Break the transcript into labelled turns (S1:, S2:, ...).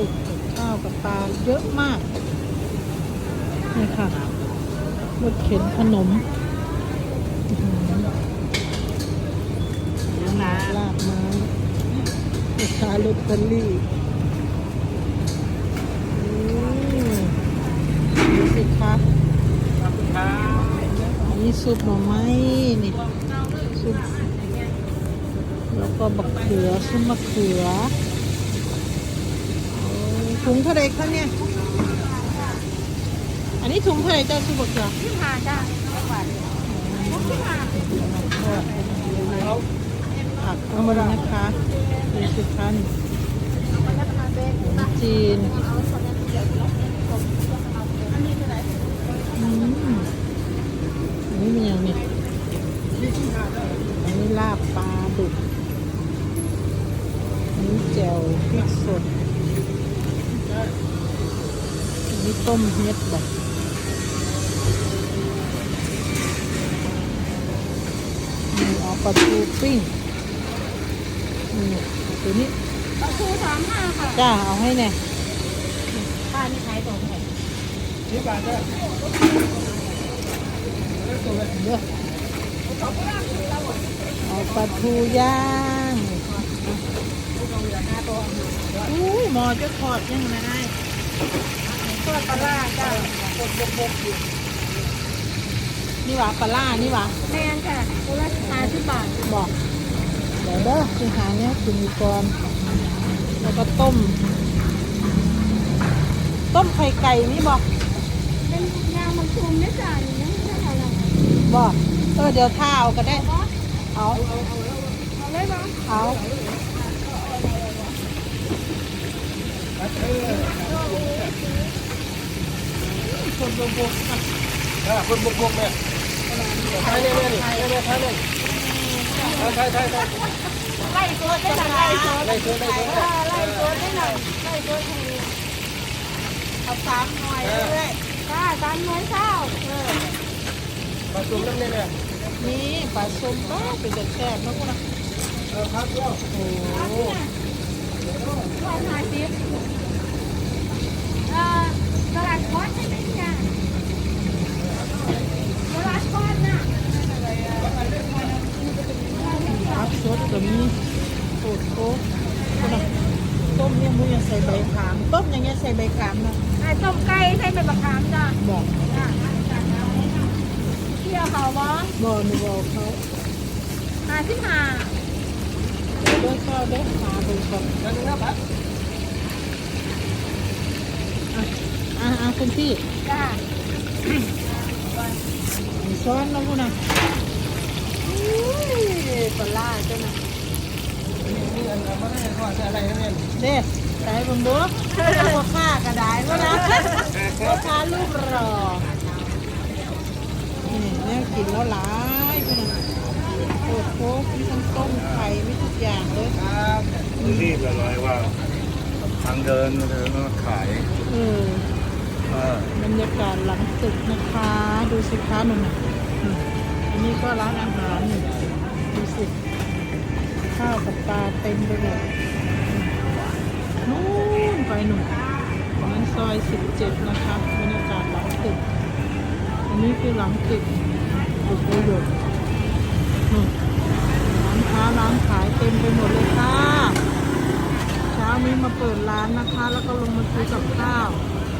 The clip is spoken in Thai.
S1: ตึกกับข้าวกับปลาเยอะมากนี่ค่ะรถเข็นขนมลาบไม้ลูกค้าลอตเตอรี่ดูสิคะอันนี้ซุปหน่อไม้นี่ซุปแล้วก็บักเขือซุปมะเขือถุงเท่าไรคะเนี่ยอันนี้ถุงเท่าไรจ้าซุปบักเขือ
S2: 25จ้า
S1: ผักเอามาดูนะคะดูสิคะนี่จีนอันนี้มันยังนี่อันนี้ลาบปลาดุกอันนี้แจ่วพริกสดอันนี้ต้มเห็ดแบบเอาปลาทูปิ้งนี่ตัวนี้
S2: ปลาทู35ค่ะ
S1: จ้าเอาให้แน่
S2: ป้านี่ขายตรงไหน
S1: 10 บาทจ้ะเด้อเอาปลาทูย่างอุ้ยหมอจะทอดยังไง
S2: ทอดปลาร้าจ้าบกอยู่
S1: นี่หว่าปลาล่านี่หว่า
S2: แม่นค่ะตัวละ50 บาท
S1: บอกเดี๋ยวเด้อคือหาเนี้ยคือมีกรแล้วก็ต้มไข่ไก่นี่บอก
S2: เป็นยามันชุมเนี่ยจ้าอย่างนี้ไม่ใช่อะไร
S1: บอกเดี๋ยวท่าเอาก็ได้เอา
S2: เลยบ้าง
S1: เอาคนบก
S3: คนบกเนี่ยไทยเนี่ยไทยเนี่ยไทยเนี่ยไทย
S2: ไล่ตัวได้หน่อยไล่ตัวได้หน่อยไล่ตัว
S1: เอา3 หน่อยเลย
S2: จ้า3 หน่วยเช้า
S3: ปลาซุ่มน้ำเนี่ย
S1: นี่ปลาส้มก็เป็นแซ่บๆนะพวก
S3: นะครับโอ้โห
S2: 150ตลาดคอสใช่ไหมจ้าตลาดคอสน่ะ
S1: ผักสดก็มีโคตรโคตรต้มเนี่ยมึงยังใส่ใบขามต้มอย่างเงี้ยใส่ใบขามนะ
S2: ต้มไก่ใส่ใบมะขามจ้า
S1: บอก
S2: เที่ยวเขาบ้อง
S1: บอกหนูบอกเขา
S2: 55
S1: เด้อข้าวเด้อหาดูก่อน
S3: นั่นนะครับ
S1: คุณพี่
S2: จ้า
S1: ซ้อนนะพวกน่ะปลาจ้ะนะ
S3: นี่อันนั้นไม่ได้ทอดอะไรนั่นเอง
S1: เด้ใส่บนบุ๊กพ่อค้ากระไดก็นะพ่อค้าลูกรอนี่กินแล้วหลายพวกน่ะโอ้โหมีทั้งต้มไข่มีทุกอย่างเลย
S3: ครับ
S4: รีบเลยว่าทางเดินมาขาย
S1: บรรยากาศหลังตึกนะคะดูสิคะหนุ่มอันนี้ก็ร้านอาหารนี่ดูสิข้าวกับปลาเต็มไปหมดนู่นไปหนุ่มนั้นซอย17นะคะบรรยากาศหลังตึกอันนี้คือหลังตึกตึกประโยชน์ร้านค้าร้านขายเต็มไปหมดเลยค่ะเช้านี้มาเปิดร้านนะคะแล้วก็ลงมาซื้อกับข้าว